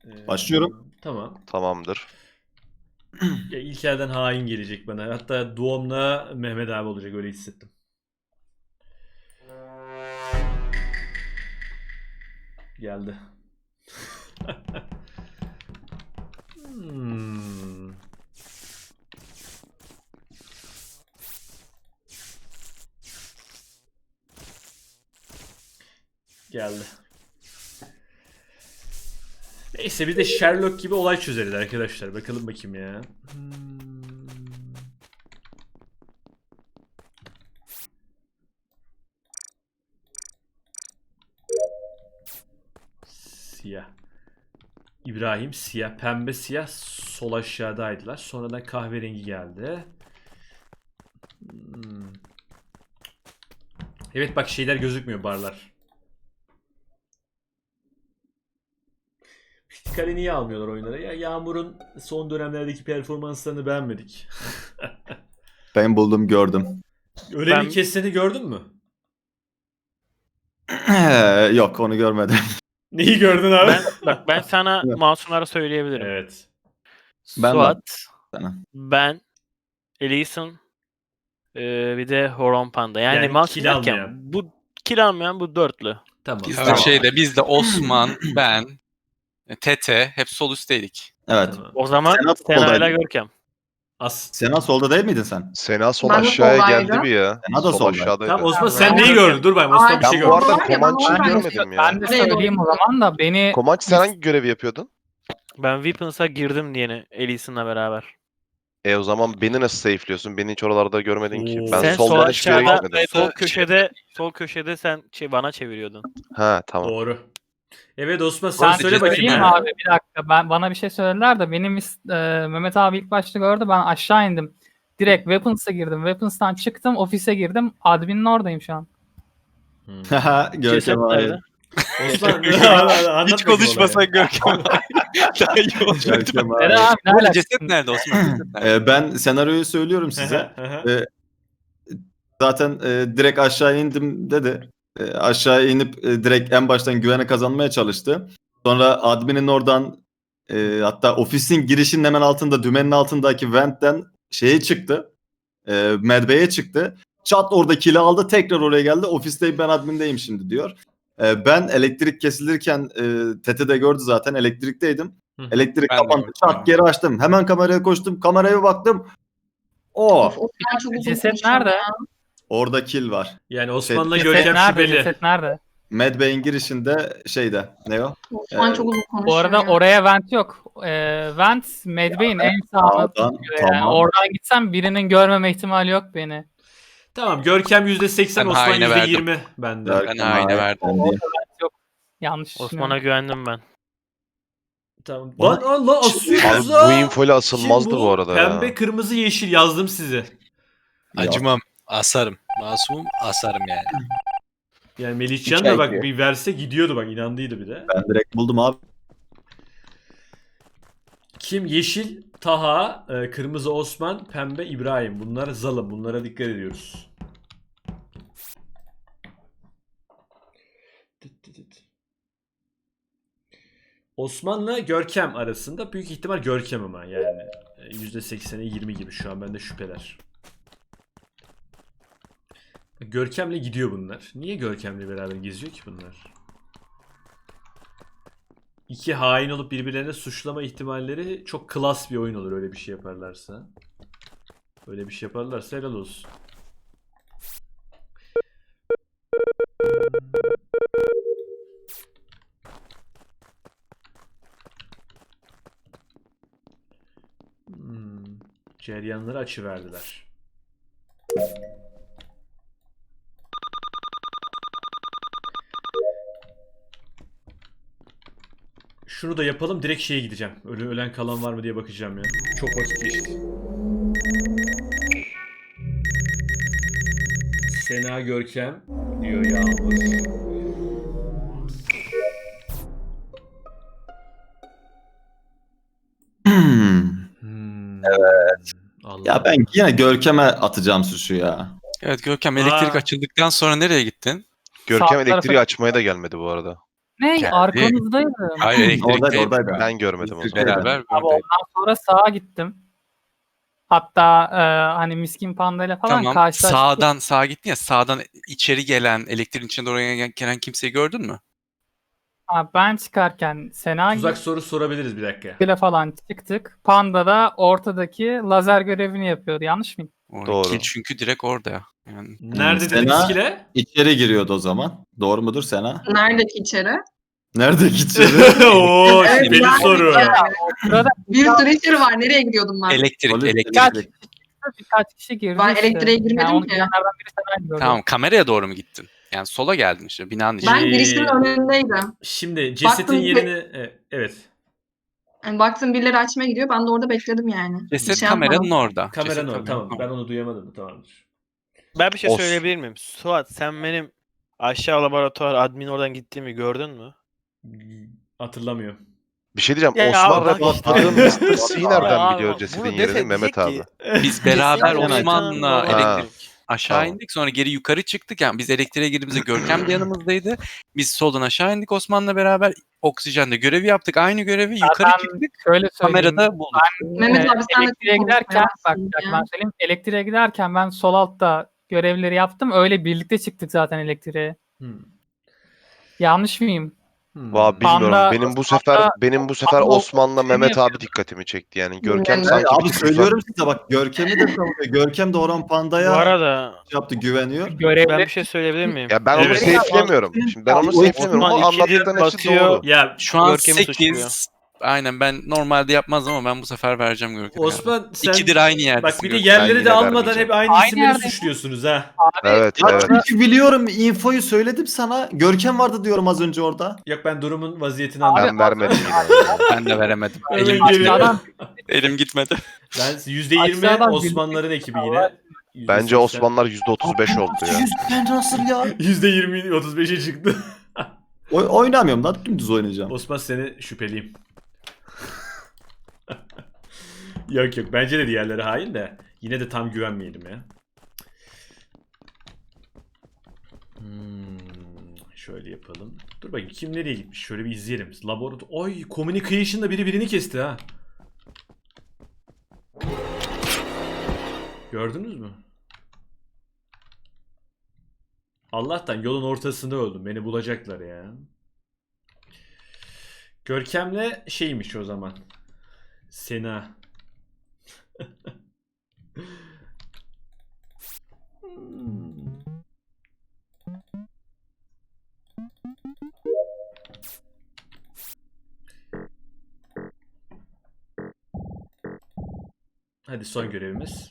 Başlıyorum. Tamam. Tamamdır. Ya İlker'den hain gelecek bana. Hatta doğumla Mehmet abi olacak, öyle hissettim. Geldi. Hmm. Geldi. Neyse biz de Sherlock gibi olay çözeriz arkadaşlar. Bakalım bakayım ya. Siyah. İbrahim siyah, pembe siyah sol aşağıdaydılar. Sonradan kahverengi geldi. Evet bak şeyler gözükmüyor, barlar. Kale niye almıyorlar oyunlara? Ya Yağmur'un son dönemlerdeki performanslarını beğenmedik. Ben buldum, gördüm. Öyle bir kesini gördün mü? Yok, onu görmedim. Neyi gördün abi? Ben sana Evet. masumları söyleyebilirim. Evet. Ben Suat, sana. ben, Ellison, bir de Horon Panda. Yani, Yani masum kill derken almayan. bu kill almayan bu dörtlü. Tamam. Biz Tamam. biz de Osman, ben, Tete hep sol üstteydik. Evet. Tamam. O zaman Sena Sena ile soldaydı. Görkem. Sena solda değil miydin sen? Sena sol Ben de aşağıya soldaydım. geldi bir ya. Sena da Sol soldaydı. aşağıdaydı. Tamam Osman Ben sen neyi gördün? Dur ben Osman bir şey Ben bu gördüm. arada Comanche'yi Ben de- görmedim ya. Ben de söyleyeyim o zaman da beni Comanche sen hangi görevi yapıyordun? Ben Weapons'a girdim diye Ellison'la beraber. O zaman beni nasıl safe'liyorsun? Beni hiç oralarda görmedin ki. Oo. Ben Sen sol soldan hiçbir yere aşağıda, gitmedim. sol köşede sen bana çeviriyordun. Ha tamam. Doğru. Evet Osman sen ben söyle bakayım. söyleyeyim ya. abi, bir dakika, bana bir şey söylediler de benim Mehmet abi ilk başta gördü, ben aşağı indim. Direkt Weapons'a girdim. Weapons'tan çıktım, ofise girdim. Admin'in oradayım şu an. Ceset Görkem abi. nerede? Osman anlat Hiç konuşmasak Görkem. Daha iyi olacaktı. Görkem abi. Nere abi, ne Bu arada alakası? ceset nerede Osman? Ceset nerede? Ben senaryoyu söylüyorum size. Zaten direkt aşağı indim dedi. Aşağı inip direkt en baştan güvene kazanmaya çalıştı. Sonra adminin oradan hatta ofisin girişinin hemen altında, dümenin altındaki ventten şeye çıktı. Medbay'e çıktı. Çat orada kili aldı. Tekrar oraya geldi. Ofisteyim, ben admindeyim şimdi diyor. Ben elektrik kesilirken Tete de gördü zaten. Elektrikteydim. Elektrik Ben de kapandı. gördüm. Çat geri açtım. Hemen kameraya koştum. Kameraya baktım. Of, ben çok uzun Ceset konuşuyorum nerede? ya. Orada kill var. Yani Osman'la Ceset Görkem nerede? şüpheli. Ceset nerede? Medbay'in girişinde şeyde. Ne o? Osman çok uzun konuşuyor. Bu arada ya. oraya vent yok. Vent Medbay'in en sağına Sağdan, tutuyor yani. tamam. Oradan gitsem birinin görmeme ihtimali yok beni. Tamam Görkem %80, Ben Osman haine verdim. %20 bende. Görkem Ben haine abi, verdim. ben değil. Yanlış Osman'a güvendim ben. Tamam. Bana- Lan Allah Abi asıyoruz bu ha. infoyla asılmazdı Kim bu arada ya. Pembe, kırmızı, yeşil yazdım size. Acımam. Asarım. Masumum asarım yani. Yani Melihcan Üç da ay bak diyor. bir verse gidiyordu, bak inandıydı bir de. Ben direkt buldum abi. Kim? Yeşil Taha, kırmızı Osman, pembe İbrahim. Bunlar zalim. Bunlara dikkat ediyoruz. Osman'la Görkem arasında büyük ihtimal Görkem ama yani %80'e 20 gibi şu an bende şüpheler. Görkem'le gidiyor bunlar. Niye Görkem'le beraber geziyor ki bunlar? İki hain olup birbirlerine suçlama ihtimalleri çok klas bir oyun olur öyle bir şey yaparlarsa. Öyle bir şey yaparlarsa helal olsun. Ceryanları açıverdiler. Şunu da yapalım, direkt şeye gideceğim. Ölen kalan var mı diye bakacağım ya. Çok vakit geçti. Sena Görkem diyor Yağmur. Evet. Allah. Ya ben yine Görkem'e atacağım suçu ya. Evet Görkem elektrik Aa. açıldıktan sonra nereye gittin? Görkem Sağ elektriği tarafa- açmaya da gelmedi bu arada. Ne? Geldi. Arkanızdaydım. Hayır Oradaydı elektrikte oradaydı. Ben görmedim o zaman. beraber Abi buradaydık. ondan sonra sağa gittim. Hatta hani Miskin Panda ile falan Tamam. karşılaştık. Sağa gittin ya, sağdan içeri gelen, elektriğin içine doğru gelen kimseyi gördün mü? Ha, ben çıkarken Sena Tuzak soru sorabiliriz bir dakika. ile falan çıktık. Panda da ortadaki lazer görevini yapıyordu. Yanlış mıyım? Doğru. Doğru. Çünkü direkt orada ya. Yani Nerede dedik Sena- skill'e? İçeri giriyordu o zaman. Doğru mudur Sena? Neredeki içeri? Nerede içeri? Oo, Evet, şüpheli yani- soru. Sırada Bir sürü içeri var. Nereye gidiyordum ben? elektrik, Polis- elektrik. birkaç kişi girdi Ben işte. elektriğe girmedim yani onu ki. girenlerden biri Sena'yı gördü. Tamam, kameraya doğru mu gittin? Yani sola geldin işte, binanın içine. Ben girişin önündeydim. Şimdi cesetin Baktım- yerini... evet. Yani baktım birileri açmaya gidiyor. Ben de orada bekledim yani. Ceset Bir şey kameranın yapmadım. orada. Kameranın Ceset orada. Tamam. kameranın Ben onu duyamadım. Tamamdır. Ben bir şey Os. söyleyebilir miyim? Suat sen benim aşağı laboratuvar admin oradan gittiğimi gördün mü? Hatırlamıyorum. Bir şey diyeceğim. Ya Osman bak reportladığım işte. Mr. C nereden Ya biliyor bunu cesedin dese yerini Mehmet diyecek abi? ki, Biz beraber Kesinlikle Osman'la Ha. elektrik aşağı Tamam. indik. Sonra geri yukarı çıktık. Yani biz elektriğe girdiğimizde Görkem de yanımızdaydı. Biz soldan aşağı indik Osman'la beraber. Oksijende görevi yaptık. Aynı görevi yukarı Ben çıktık. şöyle söyleyeyim. Kamerada bulduk. Mehmet abi sen de elektriğe konuşmaya giderken bak başladın ya. ben söyleyeyim. Elektriğe giderken ben sol altta görevleri yaptım. Öyle birlikte çıktık zaten elektriğe. Hmm. Yanlış mıyım? Valla bilmiyorum. Panda- Benim bu sefer Panda- Osman'la Mehmet abi dikkatimi çekti yani. Görkem Evet, sanki Abi bir tık söylüyorum size bak Görkem'i de savunuyor. Görkem de Orhan Bu Panda'ya arada yaptı güveniyor. ben Görevleri bir şey söyleyebilir miyim? Ya ben onu Evet. safe'lemiyorum. Şimdi ben onu Abi, safe'lemiyorum ama Osman ikidir anlattıkların hepsi batıyor. doğru. Ya Şu an Görkem'i 8. Aynen, ben normalde yapmazdım ama ben bu sefer vereceğim Görkem'e. Osman sen... İkidir aynı yerdesin. Bak bir de Görkem. yerleri Ben de yine almadan vermeyeceğim. hep aynı Aynı isimleri yerdeyim. suçluyorsunuz ha. Evet, Ya evet. çünkü biliyorum infoyu söyledim sana. Görkem vardı diyorum az önce orada. Yok ben durumun vaziyetini Abi, anladım. Ben vermedim yine. Ben de veremedim. Hemen Elim geliyor. gitmedi. Aşağıdan Elim gitmedi. Ben %20 Aşağıdan Osmanlıların ekibi yine. Bence Osmanlılar %35 oldu ya. Ben nasıl ya? %20 35'e çıktı. Oynamıyorum lan dümdüz oynayacağım. Osman seni şüpheliyim. Yok yok bence de diğerleri hain de yine de tam güvenmeyelim ya. Şöyle yapalım. Dur bakayım kim nereye gitmiş? Şöyle bir izleyelim. Laboratuvar. Ay communication'da biri birini kesti ha. Gördünüz mü? Allah'tan yolun ortasında öldüm. Beni bulacaklar ya. Görkem'le şeymiş o zaman. Sena. Hadi son görevimiz.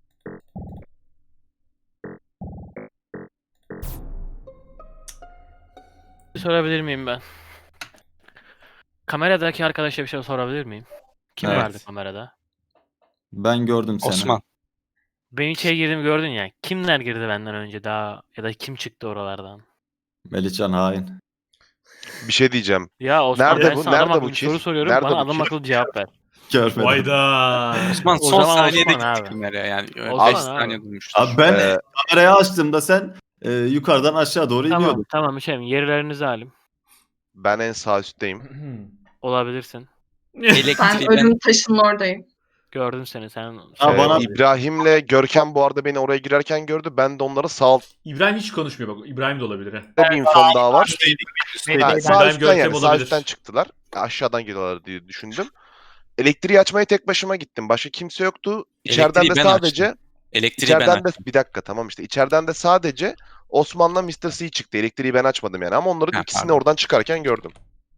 Sorabilir miyim ben? Kameradaki arkadaşa bir şey sorabilir miyim? Kim Evet. vardı kamerada? Ben gördüm seni. Osman. Ben içeri girdim gördün ya. Kimler girdi benden önce daha ya da kim çıktı oralardan? Melihcan hain. Bir şey diyeceğim. Ya Osman Nerede ben bu? sana adam Nerede bu akıllı kill? soru soruyorum Nerede bana bu adam kill? akıllı cevap ver. Görmedim. Vayda. Osman O son zaman saniyede Osman gitti abi. kameraya yani. Osman 5 abi. saniye durmuştur. Abi ben Ee, kamerayı açtığımda sen yukarıdan aşağı doğru Tamam iniyordun. tamam bir şey mi? Yerlerinizi alayım. Ben en sağ üstteyim. Olabilirsin. Ben Elektriği ben ölüm taşının oradayım. Gördüm seni sen. Ha, bana- İbrahim'le Görkem bu arada beni oraya girerken gördü. Ben de onları sağ İbrahim hiç konuşmuyor bak. İbrahim de olabilir ha. bir infom daha var. Ha, Ben- sağ İbrahim üstten Görkem yani sağ olabilir. üstten çıktılar. Aşağıdan geliyorlar diye düşündüm. Elektriği açmaya tek başıma gittim. Başka kimse yoktu. İçeriden Elektriği de ben sadece açtım. Elektriği ben içeriden de açtım. bir dakika tamam işte içeriden de sadece Osman'la Mr. C çıktı. Elektriği ben açmadım yani ama onların Ha, ikisini pardon. oradan çıkarken gördüm.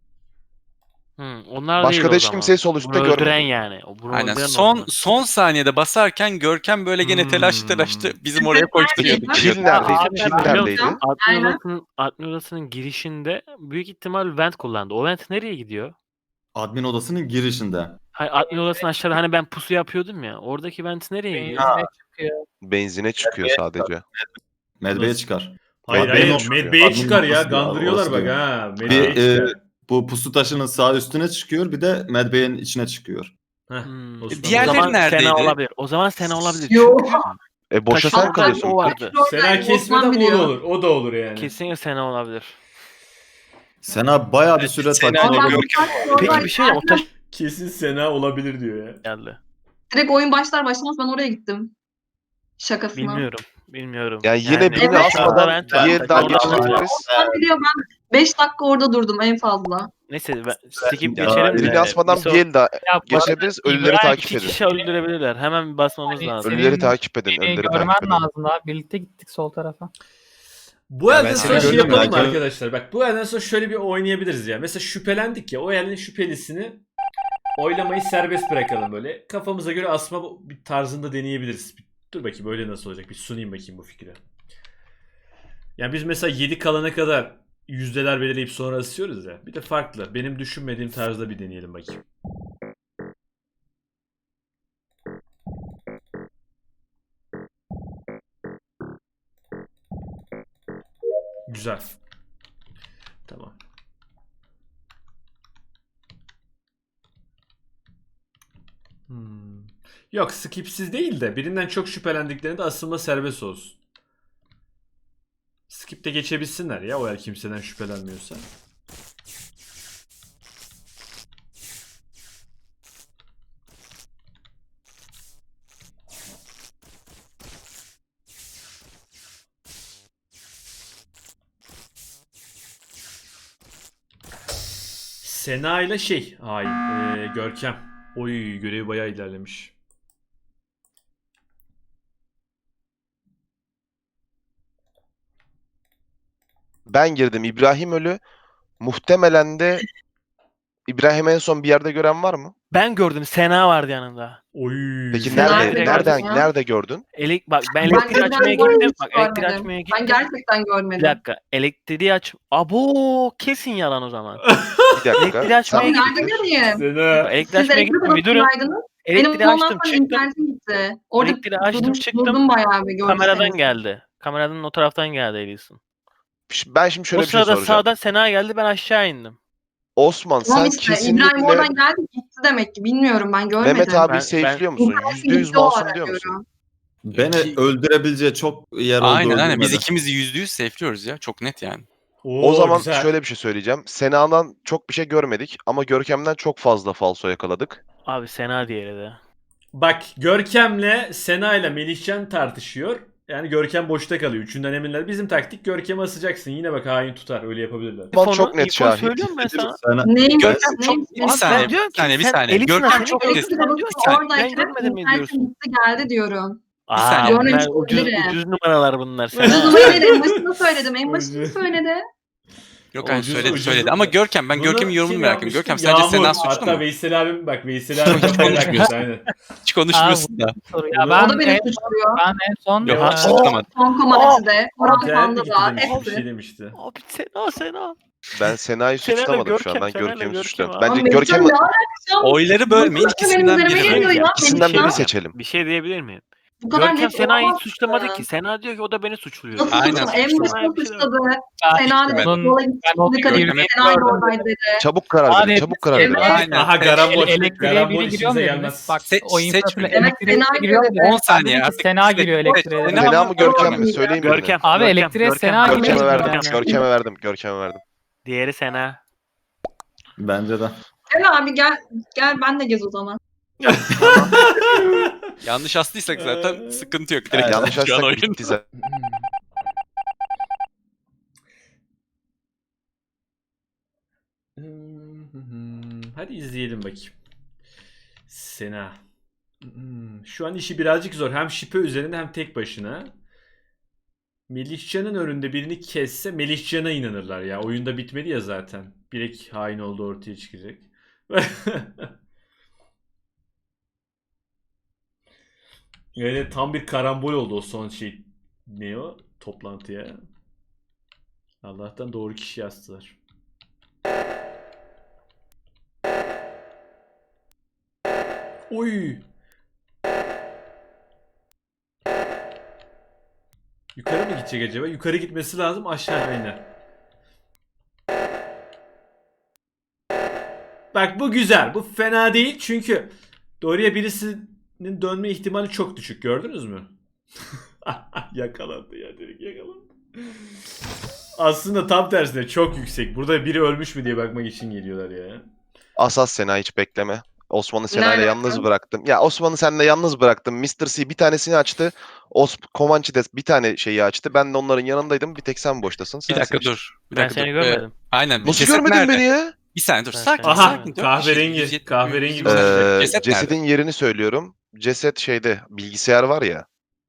Onlar Başka değil da o hiç zaman. kimseyi sol üstte Bunu öldüren görmedim. yani. Bunu Aynen. öldüren o Son zaman. son saniyede basarken Görkem böyle gene telaştı. Bizim oraya koşturuyordu. Kill neredeydi? Abi, Kill ben neredeydi? Aynen. Admin odasının girişinde büyük ihtimal vent kullandı. O vent nereye gidiyor? Admin odasının girişinde. Hayır, admin odasının aşağıda hani ben pusu yapıyordum ya. Oradaki vent nereye gidiyor? Benzine çıkıyor. Benzine çıkıyor sadece. Medve'ye çıkar. Hayır Admin hayır. çıkıyor. Medbe'ye Admin çıkar ya. orası diyor, Gandırıyorlar orası bak diyor. ha. Medbe'ye Bir çıkar. bu pusu taşının sağ üstüne çıkıyor bir de Medve'nin içine çıkıyor. Heh, Hmm. Osman. O Diğerleri zaman neredeydi? Sena olabilir. O zaman Sena olabilir. Yo. Boşa Taşın sen kalıyorsun. o vardı. Sena Oradayım, kesmeden Osman o da biliyor. olur. O da olur yani. Kesinlikle Sena olabilir. Sena bayağı bir süre Sena takip Ama ben Görkem. bu taş Peki oradan bir şey o taş Kesin Sena olabilir diyor ya. geldi. direkt oyun başlar başlamaz ben oraya gittim. Şakasına. Bilmiyorum. Yani yine birini Evet. asmadan Ben- bir el daha ben- geçirebiliriz. Ben biliyorum ben 5 dakika orada durdum en fazla. Neyse skip Ya, geçelim de. Birini asmadan bir el daha Ya geçirebiliriz. Ölüleri İbrahim, takip İki edin. kişi öldürebilirler. Hemen bir basmamız Hani lazım. Ölüleri takip edin. beni Ölüleri görmen takip edin. lazım daha. Birlikte gittik sol tarafa. Bu Ya elden ben sonra seni şey gördüm yapalım mı ya, arkadaşlar? Bak bu elden sonra şöyle bir oynayabiliriz ya. Mesela şüphelendik ya. O elin şüphelisini oylamayı serbest bırakalım böyle. Kafamıza göre asma bir tarzında deneyebiliriz. Dur bakayım öyle nasıl olacak? Bir sunayım bakayım bu fikri. Yani biz mesela 7 kalana kadar yüzdeler belirleyip sonra asıyoruz ya. Bir de farklı. Benim düşünmediğim tarzda bir deneyelim bakayım. Güzel. Tamam. Yok skipsiz değil de birinden çok şüphelendiklerinde asılma serbest olsun. Skip de geçebilsinler ya o eğer kimseden şüphelenmiyorsa. Sena ile Görkem. Oy görevi bayağı ilerlemiş. Ben girdim. İbrahim ölü. Muhtemelen de İbrahim en son bir yerde gören var mı? Ben gördüm. Sena vardı yanında. Oy. Peki Sena nerede? direkt Nereden gördüm ya. nerede gördün? Bak ben Ben elektriği de açmaya bu arada gittim. hiç Bak elektriği görmedim. açmaya gittim. Ben gerçekten Bir görmedim. dakika. Elektriği aç. Abo kesin yalan o zaman. Bir dakika. Elektriği açmaya Ama Sen- nerede göreyim? Sena. Elektriği Siz açmaya elektrik gittim. Bir durun. odasındaydınız. Benim Elektriği ondan açtım sonra çıktım. internetim gitti. Orada Elektriği açtım çıktım. durdum bayağı bir görseniz. Kameradan geldi. Kameradan o taraftan geldi Elias'ın. Ben şimdi şöyle O bir şey sırada soracağım. sağdan Sena geldi ben aşağı indim. Osman Tamam sen işte İbrahim kesinlikle oradan geldi gitti demek ki. Bilmiyorum ben görmedim. Mehmet abi Ben- safe'liyor musun? İnternetim %100 gitti o masum ara diyor musun? görüyorum. Beni öldürebileceği çok yer oldu. Aynen biz öldürmedi. ikimizi %100 safe'liyoruz ya. Çok net yani. O zaman güzel. şöyle bir şey söyleyeceğim. Sena'dan çok bir şey görmedik ama Görkem'den çok fazla falso yakaladık. Abi Sena diğeri de. Bak Görkem'le Sena ile Melihcan tartışıyor. Yani Görkem boşta kalıyor. Üçünden eminler. Bizim taktik Görkem'i asacaksın. Yine bak hain tutar. Öyle yapabilirler. Osman çok net info şahit. söylüyorum ben sana. Sena, Neymiş? Görkem çok- Neymiş? Bir saniye, diyorum bir saniye, bir sen saniye. Elis'in Görkem seni çok çok net. Elektrik Sen odası diyorsun ki, ben oradayken görmedim mi internetim diyorsun? gitti geldi diyorum. Aa, Görmemiş bunlar ucuz, olabilirim. ucuz numaralar bunlar. Ucuz Sena. numarayı en başında söyledim. En başında Ucuz. söyledi. Yok hani Ucuz, söyledi ucuz. söyledi. Ama Görkem ben Bunu Görkem'in yorumunu kim merak ediyorum. yapmıştı? Görkem sence Sena Yağmur. suçlu Hatta mu? Veysel abim bak Veysel abim kafayı takmış aynen. Hiç konuşmuyorsun da. Soru ya O ben da beni en, suçluyor. ben en son Yok Ya, hiç suçlamadı. Son komanesi Orhan İnternet Panda gitti da demiş. Bir şey hepsi. demişti. Abi Sena. Ben Sena'yı Sena'yla suçlamadım şu an. Görkem, Ben Sena'yla Görkem'i Görkem suçluyorum. abi. Bence Ama Melihcan Görkem'i ne alakası? Oyları bölmeyin Bu kadar ikisinden benim biri. üzerime geliyor ya. İkisinden Melihcan. birini seçelim. Bir şey diyebilir miyim? Bu kadar Görkem net Sena'yı olamaz. suçlamadı ki. Sena diyor ki o da beni suçluyor. Nasıl Aynen. suçlu? En Sena'ya başında bir şey suçladı. Ben Sena dedi Ben- yola gitti. ben onu Dikkat edin. Görkem'e- Sena oradaydı dedi. Çabuk karar verin. Abi, Çabuk karar verin. evet. Aynen. Aha garambol. elektriğe Garambol biri giriyor mu işimize dediniz? gelmez. Bak o Seç infraple mi? Evet, elektriğe Sena giriyor girdi. dediniz. 10 saniye Dedi ki artık. Sena giriyor elektriğe. Sena Sena mı Görkem mi? Görkem. Söyleyin birini. Görkem. Abi Görkem, elektriğe Görkem. Sena Görkem Görkem'e giriyor. verdim. Yani. Görkem'e verdim. Görkem'e verdim. Diğeri Sena. bence de. Gel abi gel. Gel ben de gez o zaman. Yanlış astıysak zaten sıkıntı yok. Direkt Yanlış şu an açsak oyun. bitti zaten. Hadi izleyelim bakayım. Sena. Şu an işi birazcık zor. Hem şipe üzerinde hem tek başına. Melihcan'ın önünde birini kesse Melihcan'a inanırlar ya. Oyunda bitmedi ya zaten. Bilek hain olduğu ortaya çıkacak. Yani tam bir karambol oldu o son şey. Ne o? Toplantıya. Allah'tan doğru kişi yazdılar. Oy. Yukarı mı gidecek acaba? Yukarı gitmesi lazım, aşağı iner. Bak bu güzel. Bu fena değil çünkü doğruya birisinin dönme ihtimali çok düşük. Gördünüz mü? Yakalandı ya, direkt yakalandı. Aslında tam tersine çok yüksek. Burada biri ölmüş mü diye bakmak için geliyorlar ya. Asas Sena hiç bekleme. Osman'ı Sena'yla alaka? yalnız bıraktım. Ya Osman'ı seninle yalnız bıraktım. Mr. C bir tanesini açtı. Comanche de bir tane şeyi açtı. Ben de onların yanındaydım. Bir tek sen boştasın. Bir Sen dakika seçtin. dur. Bir Ben dakika seni dur. görmedim. Aynen. Nasıl Ceset görmedin nerede? beni ya? Bir saniye dur. Ben Sakin seni- Aha, sakin. Dört kahverengi, kişi, 170, kahverengi 170. Ceset nerede? Cesedin yerini söylüyorum. Ceset şeyde bilgisayar var ya.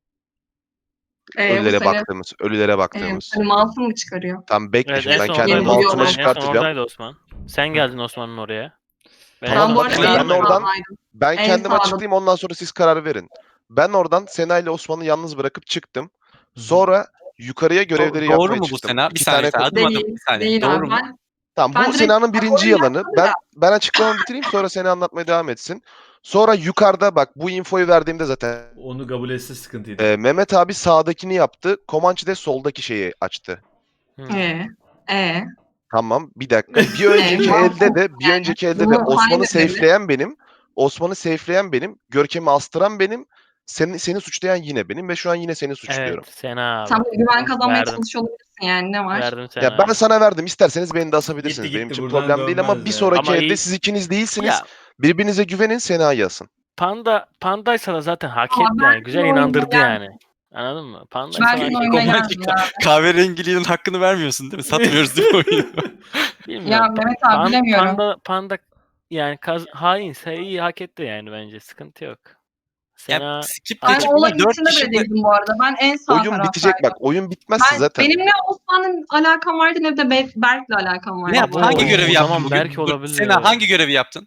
Bu Ölülere seni, baktığımız. Ölülere baktığımız. seni masum mu çıkarıyor? Tam bekle Evet, şimdi en ben son kendi oradaydı oradaydı mouse'umu Osman. Osman. En son çıkartacağım. oradaydı Osman. Sen geldin Osman'ın oraya. Ben Tamam, Ben bu arada bakın, en ben oradan- sağdaydım. Ben En kendim sağda. açıklayayım ondan sonra siz karar verin. Ben oradan Sena ile Osman'ı yalnız bırakıp çıktım. Sonra yukarıya görevleri Doğru yapmaya mu bu çıktım. Sena? Bir İki saniye. tane Adım adım. Değil, Bir saniye. değil Doğru abi. mu? Tamam Ben bu direkt Sena'nın birinci raporu yalanı. yaptım Ben açıklamamı bitireyim sonra Sena anlatmaya devam etsin. Sonra yukarıda bak bu infoyu verdiğimde zaten Onu kabul etse sıkıntıydı. Mehmet abi sağdakini yaptı. Comanche de soldaki şeyi açtı. Hı. Tamam bir dakika. Bir önceki elde de Bunu Osman'ı aynı dedi. safeleyen benim. Osman'ı safeleyen benim. Görkem'i astıran benim. Seni suçlayan yine benim ve şu an yine seni suçluyorum. Evet Sena abi. Sen böyle güven kazanmaya Verdim. çalışıyor olabilirsin yani ne var? Verdim Sena Ya ben abi. sana verdim. İsterseniz beni de asabilirsiniz. Gitti, Benim için buradan problem değil ama dönmez bir yani. sonraki Ama elde iyi- siz ikiniz değilsiniz. Ya Birbirinize güvenin Sena'yı yazın. Pandaysa da zaten hak Ama etti yani. Güzel oyuna inandırdı geldim. yani. Anladın mı? Pandaysa Belki hak de etti. oyuna Comanche geldim ya. kahverengiliğinin hakkını vermiyorsun değil mi? Satmıyoruz değil mi oyunu? Bilmiyorum. Ya Mehmet abi bilemiyorum. Panda yani hainse iyi hak etti yani bence. Sıkıntı yok. Sena Ya skip Ben geçip olayın 4 içinde kişi bile de değildim bu arada. Ben en sağ Oyun taraftaydım. bitecek bak. Oyun bitmezse zaten. Benim ne Osman'ın alakam vardı ne de Berk'le alakam vardı. ne yaptın? Abo, Hangi görevi o yaptın zaman bugün? belki Dur, olabilir. Sena hangi görevi yaptın?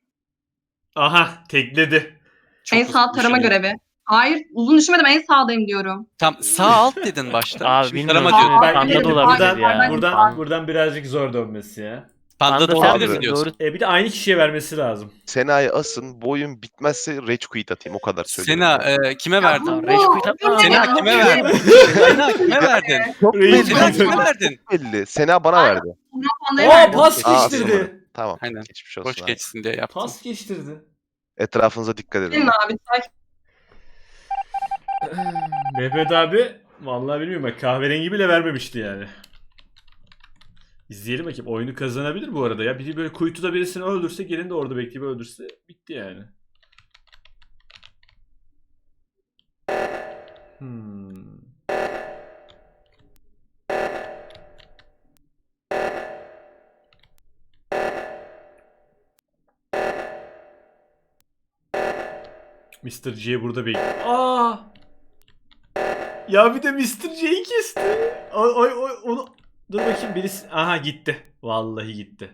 Aha, tekledi. En sağ tarama görevi. Hayır uzun düşünmedim en sağdayım diyorum. Tam sağ alt dedin başta. Abi Şimdi bilmiyorum. tarama diyordun. Aa, Panda evet, da olabilir buradan- ya. Buradan birazcık zor dönmesi ya. Panda da Panda olabilir sen mi diyorsun? doğru. Bir de aynı kişiye vermesi lazım. Sena'yı asın. Bu oyun bitmezse rage quit atayım. O kadar söylüyorum. Sena ya. kime verdin? Tamam, Rage quit atma. Sena Ya, kime bu- verdin? Sena kime verdin? Çok Rage belli. Sena quit. kime verdin? belli. Sena bana verdi. Panda'ya Aa, verdim. pas Aa, geçtirdi. Tamam. Aynen. Geçmiş olsun Hoş abi. geçsin diye yaptım. Pas geçtirdi. Etrafınıza dikkat edin. Gelin abi sakin. Mehmet abi vallahi bilmiyorum bak kahverengi bile vermemişti yani. İzleyelim bakayım. Oyunu kazanabilir bu arada ya. Biri böyle kuytuda birisini öldürse gelin de orada bekleyip öldürse bitti yani. Mr. J burada bekliyor. Aa! Ya bir de Mr. J'yi kesti. Oy onu dur bakayım birisi. Aha gitti. Vallahi gitti.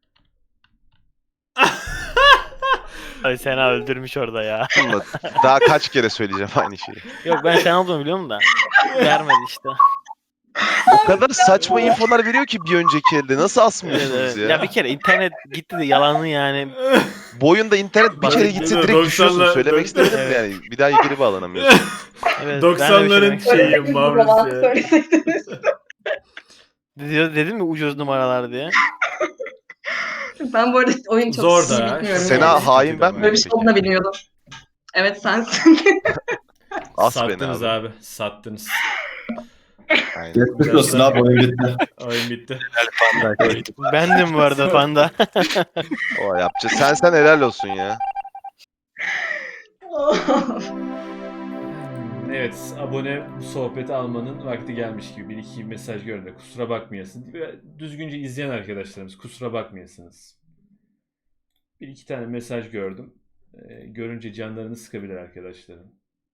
Ay Sena öldürmüş orada ya. Ama daha kaç kere söyleyeceğim aynı şeyi. Yok ben Sena olduğunu biliyorum da. Vermedi işte. O kadar saçma infolar veriyor ki bir önceki elde. Nasıl asmıyorsunuz Evet. ya? Ya bir kere internet gitti de yalanı yani. Bu oyunda internet bir kere gitse direkt 90'lar düşüyorsun. Söylemek istemedim de yani. Bir daha geri bağlanamıyorsun. Evet, 90'ların ben de şeyi Mavrus ya. dedim mi ucuz numaralar diye. Ben bu arada oyunu çok Zor iyi da. bilmiyorum. Sena yani. hain ben Böyle bir şey olduğunu da bilmiyordum. Evet sensin. As beni Sattınız abi. abi. Sattınız. Aynen. Geçmiş olsun abi oyun bitti. Oyun bitti. Bendim bu arada Panda. O yapacak. Sen helal olsun ya. Evet, abone bu sohbeti almanın vakti gelmiş gibi. Bir iki mesaj gördüm. Kusura bakmayasın. Düzgünce izleyen arkadaşlarımız kusura bakmayasınız. Bir iki tane mesaj gördüm. Görünce canlarını sıkabilir arkadaşlarım.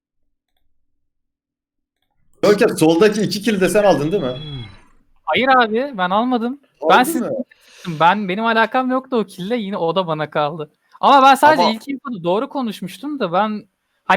Görkem soldaki 2 kill'i de sen aldın değil mi? Hayır abi ben almadım. Aldın siz- mı? Benim alakam yoktu o kille yine o da bana kaldı. Ama ben sadece Ama- ilk infoda doğru konuşmuştum da ben